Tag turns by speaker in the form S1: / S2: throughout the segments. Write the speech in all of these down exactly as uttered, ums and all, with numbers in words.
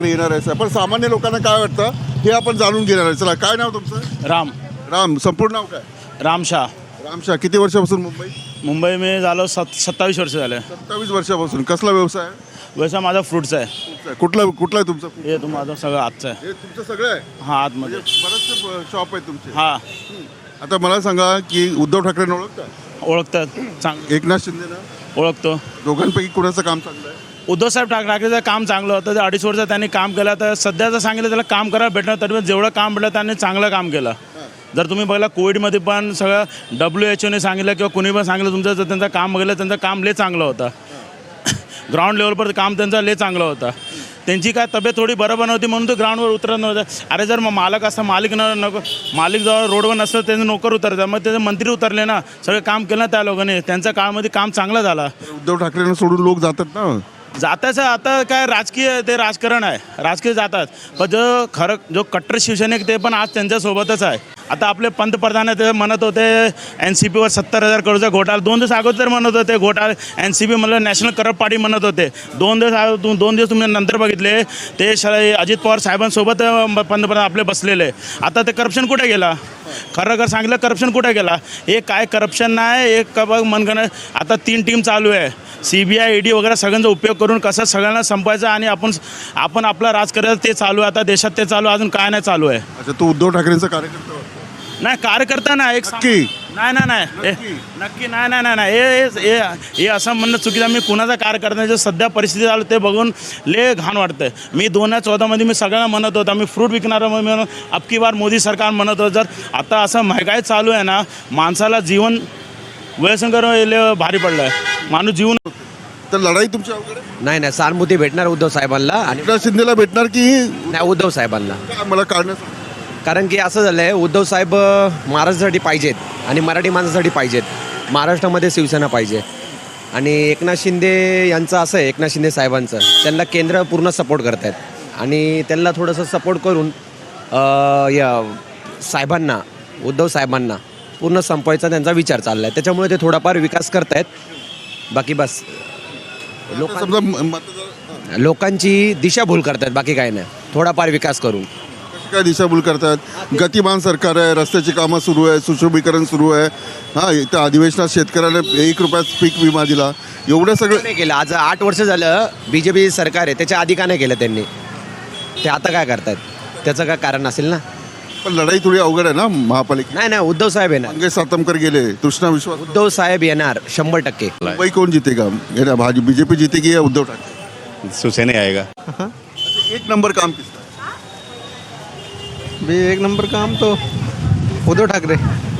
S1: येणार आहे पण सामान्य लोकांना काय वाटतं हे आपण जाणून घेणार आहे. चला, काय नाव तुमचं?
S2: राम
S1: राम. संपूर्ण नाव काय?
S2: राम शाह.
S1: रामशाह. किती वर्षापासून मुंबई?
S2: मुंबई में झालो सत सत्तावीस वर्ष झाले.
S1: सत्तावीस वर्षापासून. कसला व्यवसाय आहे?
S2: व्यवसाय माझा फ्रूटचा आहे.
S1: कुठला कुठला आहे तुमचा?
S2: हे तुम माझं सगळं आजचं आहे.
S1: हे तुमचं सगळं आहे?
S2: हा, आतमध्ये.
S1: बरेचसे शॉप आहे तुमचे.
S2: हा,
S1: आता मला सांगा की उद्धव ठाकरेंना ओळखता?
S2: ओळखतात. चांग
S1: एकनाथ शिंदेना?
S2: ओळखतो.
S1: दोघांपैकी कुणाचं काम चांगलं आहे?
S2: उद्धवसाहेब ठाक ठाकरेचं काम चांगलं होतं. ते अडीच वर्ष त्यांनी काम केलं. तर सध्याचं सांगितलं त्याला काम करायला भेटणार तरी पण जेवढं काम भेटलं त्यांनी चांगलं काम केलं. जर तुम्ही बघला कोविडमध्ये पण सगळं डब्ल्यू एच ओने सांगितलं किंवा कुणी पण सांगितलं तुमचं जर त्यांचं काम बघितलं त्यांचं काम लय चांगलं होतं. ग्राउंड लेवलवर काम त्यांचं लय चांगलं होतं. त्यांची काय तब्येत थोडी बरोबर नव्हती म्हणून तो ग्राउंडवर उतरत नव्हतं. अरे जर मग मालक असता मालिक न नको मालिक जवळ रोडवर नसतं त्यांचे नोकर उतरतात. मग त्याचे मंत्री उतरले ना, सगळं काम केलं ना त्या लोकांनी. त्यांच्या काळामध्ये काम चांगलं झालं.
S1: उद्धव ठाकरेंना सोडून लोक जातात ना.
S2: जाताचं आता काय राजकीय ते राजकारण आहे. राजकीय जातात पण जो खरं जो कट्टर शिवसैनिक ते पण आज त्यांच्यासोबतच आहे. आता आपले पंतप्रधान ते म्हणत होते एन सी पीवर सत्तर हजार करोडचा घोटाळा. दोन दिवस अगोदर म्हणत होते घोटाळा एन सी पी म्हणलं नॅशनल करप्ट पार्टी म्हणत होते. दोन दिवस दोन दिवस तुम्ही नंतर बघितले ते श अजित पवार साहेबांसोबत पंतप्रधान आपले बसलेले. आता ते करप्शन कुठे गेला? खरं खरं सांगितलं करप्शन कुठे गेला? हे काय करप्शन नाही. एक बघ मनगणं आता तीन टीम चालू आहे. C B I E D वगैरे सगळ्यांचा उपयोग करून कसं सगळ्यांना संपायचं आणि आपण आपण आपला राजकारण ते चालू आहे. आता देशात ते चालू अजून काय नाही चालू आहे.
S1: अच्छा, तू उद्धव ठाकरेंचा कार्यकर्ता वाटतो?
S2: नाही, कार्यकर्ता नाही. एक
S1: नक्की?
S2: नाही नाही नाही हे- नक्की नाही नाही नाही नाही हे हे हे असं म्हणणं चुकीचं. मी कुणाचा कार्यकर्ता नाही. जे सध्या परिस्थिती आलं ते बघून ले घाण वाटतं. मी दोन हजार चौदामध्ये मी सगळ्यांना म्हणत होतो मी फ्रूट विकणारा म्हणून अबकी बार मोदी सरकार म्हणत होतं. जर आता असं महागाई चालू आहे ना, माणसाला जीवन व्यसंकर भारी पडलं आहे. माणूस जीवन
S1: तर लढाई तुमच्या अवघड आहे?
S3: नाही नाही सहानुभूती भेटणार उद्धव साहेबांना आणि
S1: एकनाथ शिंदेला भेटणार की?
S3: नाही उद्धव साहेबांना.
S1: काय मला कारण
S3: कारण की असं झालं आहे उद्धव साहेब महाराष्ट्रासाठी पाहिजेत आणि मराठी माणसासाठी पाहिजेत. महाराष्ट्रामध्ये शिवसेना पाहिजे आणि एकनाथ शिंदे यांचं असं आहे एकनाथ शिंदे साहेबांचं त्यांना केंद्र पूर्ण सपोर्ट करत आहेत आणि त्यांना थोडंसं सपोर्ट करून अ, या साहेबांना उद्धव साहेबांना पूर्ण संपवायचा त्यांचा विचार चालला आहे. त्याच्यामुळे ते थोडाफार विकास करत आहेत. बाकी बस लोक
S1: समजा मतदार
S3: लोकांची दिशाभूल करतात. बाकी काय नाही. थोडाफार विकास करून
S1: काय दिशाभूल करतात? गतिमान सरकार आहे, रस्त्याची कामं सुरू आहे, सुशोभीकरण सुरू आहे. हां, इथं अधिवेशनात शेतकऱ्याला एक रुपयात पीक विमा दिला. एवढं सगळं
S3: नाही केलं. आज आठ वर्ष झालं बी जे पी सरकार आहे त्याच्या आधी का नाही केलं त्यांनी? ते आता काय करतात त्याचं काय कारण असेल ना.
S1: पण लढाई थोडी अवघड आहे ना महापालिका.
S3: नाही नाही उद्धव साहेब येणार.
S1: मंगेश सातमकर गेले, कृष्णा विश्वास.
S3: उद्धव साहेब येणार शंभर टक्के.
S1: मुंबई कोण जीतेगा? येणार भाजी बीजेपी जीतेगी या उद्धव ठाकरे?
S4: शिवसेना आएगा.
S1: एक नंबर काम किसका?
S5: भी एक नंबर काम तो उद्धव ठाकरे.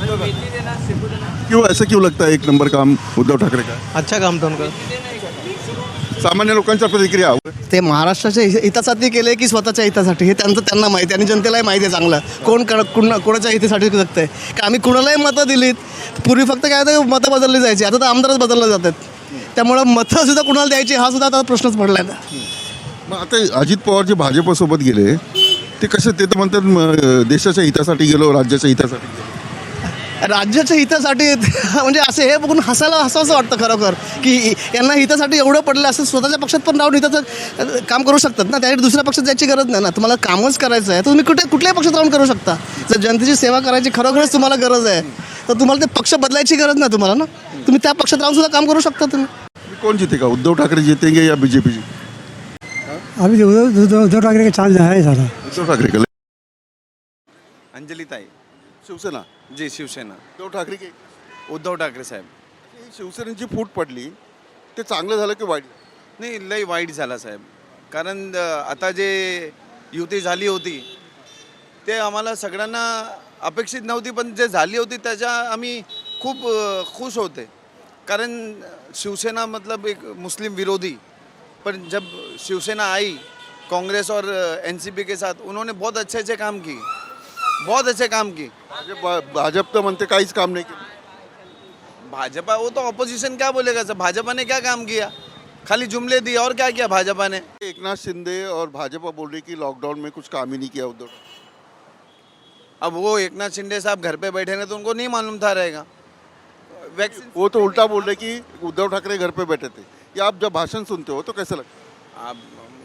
S1: क्यों ऐसा क्यों लगता है एक नंबर काम उद्धव ठाकरे का?
S5: अच्छा काम था उनका.
S1: सामान्य लोकांच्या प्रतिक्रिया.
S6: ते महाराष्ट्राच्या हि- हितासाठी केले की स्वतःच्या हितासाठी हे त्यांचं त्यांना माहिती आहे आणि जनतेलाही माहिती आहे चांगलं कोण कर कुणा कोणाच्या हितासाठी जगतंय. का आम्ही कुणालाही मतं दिलीत. पूर्वी फक्त काय होतं मतं बदलली जायची. आता तर आमदारच बदलले जातात. त्यामुळं मतं सुद्धा कुणाला द्यायची हा सुद्धा आता प्रश्नच पडला आहे.
S1: मग आता अजित पवार जे भाजपसोबत गेले ते कसे? ते तर म्हणतात म, देशाच्या हितासाठी गेलो, राज्याच्या हितासाठी गेलो.
S6: राज्याच्या हितासाठी म्हणजे असे हे बघून हसायला हसावंसं वाटतं खरोखर की यांना हितासाठी एवढं पडलं असं स्वतःच्या पक्षात पण राहून हिताचं काम करू शकतात ना. त्यासाठी दुसऱ्या पक्षात जायची गरज नाही ना. तुम्हाला कामच करायचं आहे तर तुम्ही कुठे कुठल्याही पक्षात राहून करू शकता. जर जनतेची सेवा करायची खरोखरच तुम्हाला गरज आहे तर तुम्हाला ते पक्ष बदलायची गरज नाही तुम्हाला ना. तुम्ही त्या पक्षात राहून सुद्धा काम करू शकता तुम्ही.
S1: कोण जीतेगा? उद्धव ठाकरे जीतेंगे या बीजेपी जी?
S7: अभी उद्धव उद्धव उद्धव ठाकरे का चांस है सारा.
S1: उद्धव ठाकरे का?
S8: अंजली ताई.
S1: शिवसेना?
S8: जी शिवसेना.
S1: उद्धव ठाकरे की
S8: उद्धव ठाकरे साहेब.
S1: ही शिवसेनेची फूट पडली ते चांगलं झालं की वाईट?
S8: नाही लई वाईट झाला साहेब. कारण अ, आता जे युती झाली होती ते आम्हाला सगळ्यांना अपेक्षित नव्हती पण जे झाली होती त्याच्या आम्ही खूप अ, खुश होते. कारण शिवसेना मतलब एक मुस्लिम विरोधी पर जब शिवसेना आई कांग्रेस और एन सी पी के साथ उन्होंने बहुत अच्छे अच्छे काम किए. बहुत अच्छे काम किए.
S1: भाजप भाजप तर म्हणते काहीच काम नाही केलं.
S8: भाजपा वो तो ऑपोजिशन क्या बोलेगा सर. भाजपा ने क्या काम किया? खाली जुमले दिए और क्या किया भाजपा ने?
S1: एकनाथ शिंदे और भाजपा बोल रही कि लॉकडाउन में कुछ काम ही नहीं किया उद्धव.
S8: अब वो एकनाथ शिंदे साहब घर पे बैठे हैं तो उनको नहीं मालूम था रहेगा. वैक्सीन
S1: वो तो उल्टा बोल रहे कि उद्धव ठाकरे घर पे बैठे थे. या आप जब भाषण सुनते हो तो कैसा लगता है?
S8: अब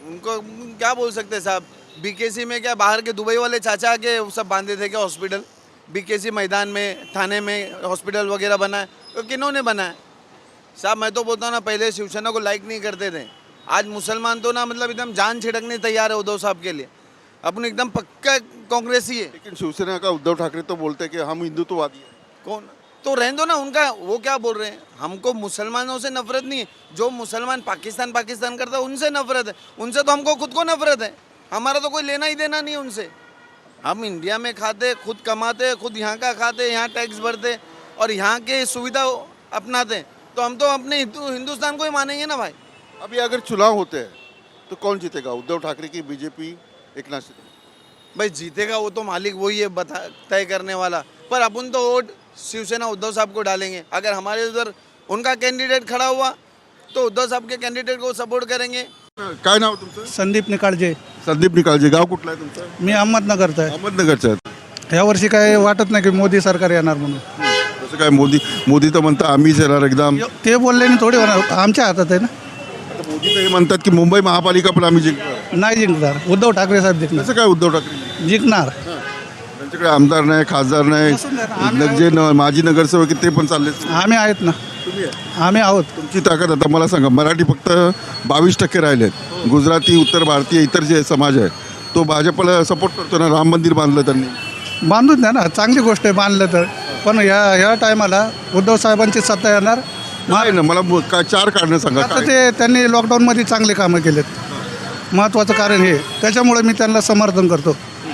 S8: उनको क्या बोल सकते हैं साहब, बीकेसी में क्या बाहर के दुबई वाले चाचा के सब बांधे थे क्या हॉस्पिटल? बीकेसी मैदान में, थाने में हॉस्पिटल वगैरह बना है तो किन्होंने बनाया? साहब मैं तो बोलता हूँ ना, पहले शिवसेना को लाइक नहीं करते थे, आज मुसलमान तो ना मतलब एकदम जान छिड़कने तैयार है उद्धव साहब के लिए। अपन एकदम पक्का कांग्रेसी है।
S1: लेकिन शिवसेना का उद्धव ठाकरे तो बोलते हैं कि हम हिंदुत्ववादी हैं।
S8: कौन? तो रहने दो ना उनका, वो क्या बोल रहे हैं, हमको मुसलमानों से नफरत नहीं है, जो मुसलमान पाकिस्तान पाकिस्तान करता है उनसे नफरत है, उनसे तो हमको खुद को नफरत है, हमारा तो कोई लेना ही देना नहीं है उनसे। हम इंडिया में खाते, खुद कमाते, खुद यहाँ का खाते, यहाँ टैक्स भरते और यहाँ के सुविधा अपनाते, तो हम तो अपने हिंदू हिंदुस्तान को ही मानेंगे ना भाई।
S1: अभी अगर चुनाव होते हैं तो कौन जीतेगा, उद्धव ठाकरे की बीजेपी, एकनाथ शिंदे?
S8: भाई जीतेगा वो तो मालिक वही है बता तय करने वाला, पर अपन तो वोट शिवसेना उद्धव साहब को डालेंगे। अगर हमारे उधर उनका कैंडिडेट खड़ा हुआ तो उद्धव साहब के कैंडिडेट को सपोर्ट करेंगे।
S1: काय नाव तुमचं?
S5: संदीप निकाळजे.
S1: संदीप निकाळजे. गाव कुठलं आहे तुमचं?
S5: मी अहमदनगरचा आहे.
S1: अहमदनगरचं आहे.
S5: यावर्षी काय वाटत नाही की मोदी सरकार येणार म्हणून.
S1: कसं काय, मोदी मोदी तर म्हणतात आम्हीच येणार एकदम.
S5: ते बोलल्याने थोडी होणार, आमच्या हातात आहे ना.
S1: आता मोदी तर हे म्हणतात की मुंबई महापालिका पण आम्ही जिंकणार.
S5: नाही जिंकणार, उद्धव ठाकरे साहेब जिंकणार.
S1: कसं काय उद्धव ठाकरे
S5: जिंकणार.
S1: त्यांच्याकडे आमदार नाही, खासदार नाही, नग- जे न- माजी नगरसेवक आहेत ते पण चालले.
S5: आम्ही आहेत ना,
S1: तुम्ही आहे.
S5: आम्ही आहोत.
S1: तुमची ताकद आता मला सांगा, मराठी फक्त बावीस टक्के राहिलेत, गुजराती, उत्तर भारतीय, इतर जे समाज आहे तो भाजपला सपोर्ट करतो ना. राम मंदिर बांधलं त्यांनी.
S5: बांधून द्या ना, चांगली गोष्ट आहे बांधलं तर. पण या या टायमाला उद्धव साहेबांची सत्ता येणार.
S1: नाही ना, मला मु- काय चार कारणं सांगा.
S5: आता
S1: काय?
S5: ते त्यांनी लॉकडाऊनमध्ये चांगले कामं केलेत, महत्त्वाचं कारण हे. त्याच्यामुळे मी त्यांना समर्थन करतो.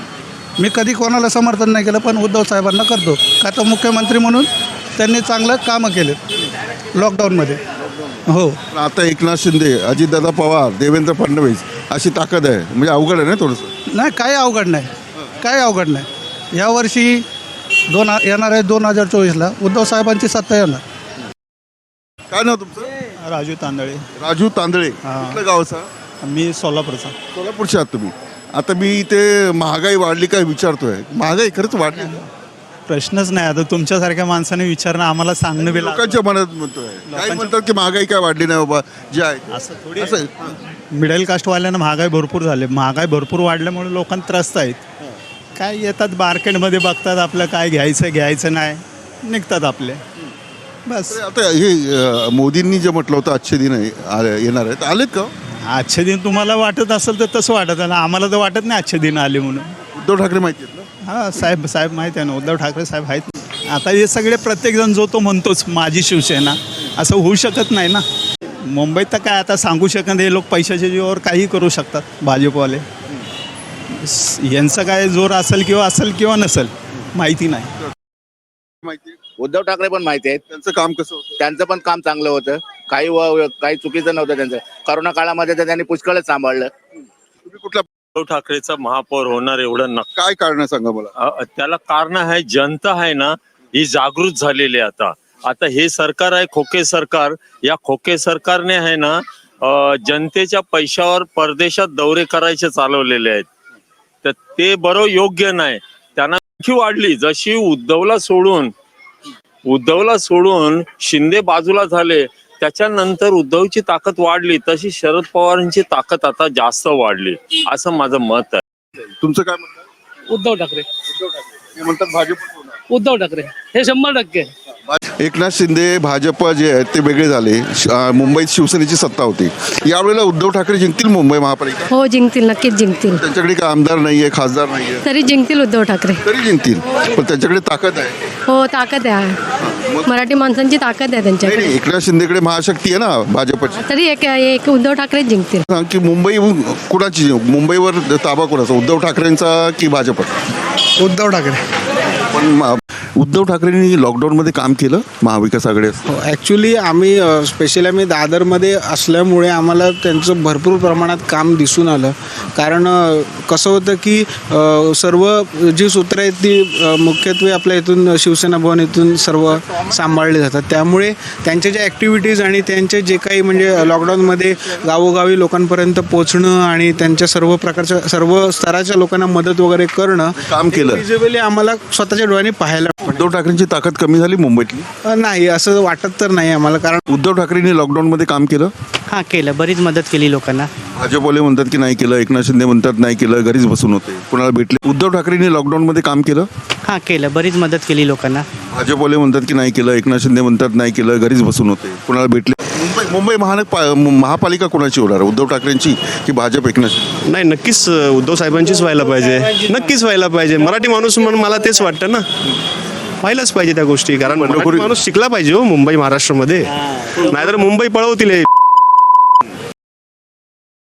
S5: मी कधी कोणाला समर्थन नाही केलं, पण उद्धव साहेबांना करतो. का तर मुख्यमंत्री म्हणून त्यांनी चांगलं कामं केलेत लॉकडाऊनमध्ये. हो.
S1: पण आता एकनाथ शिंदे, अजितदादा पवार, देवेंद्र फडणवीस अशी ताकद आहे, म्हणजे अवघड आहे ना थोडंसं.
S5: नाही, काही अवघड नाही, काही अवघड नाही. यावर्षी दोन येणार आहे दोन हजार चोवीसला उद्धव साहेबांची सत्ता येणार.
S1: काय नाव तुमचं?
S4: राजू तांदळे.
S1: राजू तांदळे.
S4: हां.
S1: कुठलं गावचा?
S4: मी सोलापूरचा.
S1: सोलापूरचे आहात तुम्ही. आता मी इथे महागाई वाढली काय विचारतोय. महागाई खरंच वाढली ना?
S4: प्रश्नच नाही. आता तुमच्यासारख्या माणसाने विचारणं आम्हाला सांगणं बी लागतं.
S1: लोकांच्या मनात म्हणतोय, काही म्हणतात की महागाई काय वाढली नाही बाबा, जे आहे
S4: असं थोडी
S1: असं.
S4: मिडल कास्टवाल्यांना महागाई भरपूर झाली. महागाई भरपूर वाढल्यामुळे लोकांना त्रस्त आहेत. काय येतात मार्केटमध्ये बघतात आपलं काय घ्यायचं घ्यायचं नाही, निघतात आपले बस.
S1: तर आता हे अ, मोदींनी जे म्हटलं होतं आजचे दिन आहे, आ- येणार आहेत, आलेत का?
S4: आजचे दिन तुम्हाला वाटत असेल तर तसं वाटत आहे ना, आम्हाला तर वाटत नाही आजचे दिन आले म्हणून.
S1: उद्धव ठाकरे माहिती आहेत ना?
S4: हां साहेब साहेब माहीत आहे ना, उद्धव ठाकरे साहेब आहेत. आता हे सगळे प्रत्येकजण जो तो म्हणतोच माझी शिवसेना, असं होऊ शकत नाही ना. मुंबईत तर काय आता सांगू शकत नाही, हे लोक पैशाच्या जीवावर काही करू शकतात भाजपवाले. स- यांचं काय जोर असेल किंवा असेल किंवा नसेल माहिती नाही.
S1: माहिती आहे?
S9: उद्धव ठाकरे पण माहिती आहेत,
S1: त्यांचं काम कसं होतं?
S9: त्यांचं पण काम चांगलं होतं. काही व- काही चुकीचं नव्हतं त्यांचं. करोना काळामध्ये तर त्यांनी पुष्कळच सांभाळलं.
S1: तुम्ही कुठल्या,
S10: उद्धव ठाकरेचा महापौर होणार एवढं नक्की.
S1: काय कारण सांगा मला.
S10: अ- त्याला कारण आहे, जनता आहे ना ही जागृत झालेली आहे. आता आता हे सरकार आहे खोके सरकार, या खोके सरकारने आहे ना अ, जनतेच्या पैशावर परदेशात दौरे करायचे चालवलेले आहेत. तर ते बरोबर योग्य नाही. त्यांना आणखी वाढली, जशी उद्धवला सोडून उद्धवला सोडून शिंदे बाजूला झाले, त्याच्यानंतर उद्धवची ताकद वाढली, तशी शरद पवारांची ताकद आता जास्त वाढली, असं माझं मत आहे.
S1: तुमचं काय म्हणतात?
S11: उद्धव ठाकरे.
S1: हे म्हणतात भाजप होणार.
S11: उद्धव ठाकरे हे शंभर टक्के.
S1: एकनाथ शिंदे भाजप जे आहेत ते वेगळे झाले. श- अ, मुंबईत शिवसेनेची सत्ता होती. यावेळेला उद्धव ठाकरे जिंकतील मुंबई महापालिका?
S12: हो जिंकतील, नक्कीच जिंकतील.
S1: त्यांच्याकडे काय आमदार नाहीये, खासदार नाहीये,
S12: तरी जिंकतील उद्धव ठाकरे.
S1: तरी जिंकतील. पण त्यांच्याकडे ताकद आहे.
S12: हो ताकद आहे, मराठी माणसांची ताकद आहे
S1: नाही
S12: त्यांच्याकडे.
S1: नाही, एकनाथ शिंदेकडे महाशक्ती आहे ना भाजपची.
S12: तरी एक एक उद्धव ठाकरे जिंकतील.
S1: सांग की मुंबई कुणाची, मुंबईवर ताबा कुणाचा, उद्धव ठाकरेंचा की भाजप?
S5: उद्धव ठाकरे.
S1: पण म- उद्धव ठाकरेंनी लॉकडाऊनमध्ये काम केलं महाविकास आघाडी असताना.
S5: ॲक्च्युली आम्ही स्पेशली आम्ही दादरमध्ये असल्यामुळे आम्हाला त्यांचं भरपूर प्रमाणात काम दिसून आलं. कारण अ, कसं होतं की अ, सर्व जी सूत्र आहेत ती अ, मुख्यत्वे आपल्या इथून शिवसेना भवन इथून सर्व सांभाळली जातात. त्यामुळे त्यांच्या ज्या ॲक्टिव्हिटीज आणि त्यांचे जे काही म्हणजे लॉकडाऊनमध्ये गावोगावी लोकांपर्यंत पोचणं आणि त्यांच्या सर्व प्रकारच्या सर्व स्तराच्या लोकांना मदत वगैरे करणं
S1: काम केलं.
S5: विजिबली आम्हाला स्वतःच्या डोळ्यांनी पाहायला
S1: उद्धव ठाकरेंची ताकद कमी झाली मुंबईतली?
S5: अ, नाही असं वाटत तर नाही आम्हाला, कारण
S1: उद्धव ठाकरेंनी लॉकडाऊनमध्ये काम केलं?
S11: हां केलं, बरीच मदत केली लोकांना.
S1: भाजपवाले म्हणतात की नाही केलं, एकनाथ शिंदे म्हणतात नाही केलं, घरीच बसून होते, कुणाला भेटले? उद्धव ठाकरेंनी लॉकडाऊनमध्ये काम केलं?
S11: हां केलं, बरीच मदत केली लोकांना.
S1: भाजपवाले म्हणतात की नाही केलं, एकनाथ शिंदे म्हणतात नाही केलं, घरीच बसून होते, कुणाला भेटले? मुंबई मुंबई महानगर महापालिका कोणाची होणार, उद्धव ठाकरेंची की भाजप एकनाथ शिंदे?
S13: नाही, नक्कीच उद्धव साहेबांचीच व्हायला पाहिजे, नक्कीच व्हायला पाहिजे. मराठी माणूस म्हणून मला तेच वाटतं ना, व्हायलाच पाहिजे त्या गोष्टी, कारण मराठी माणूस शिकला पाहिजे हो मुंबई महाराष्ट्रामध्ये, नाहीतर मुंबई पळवतील हे.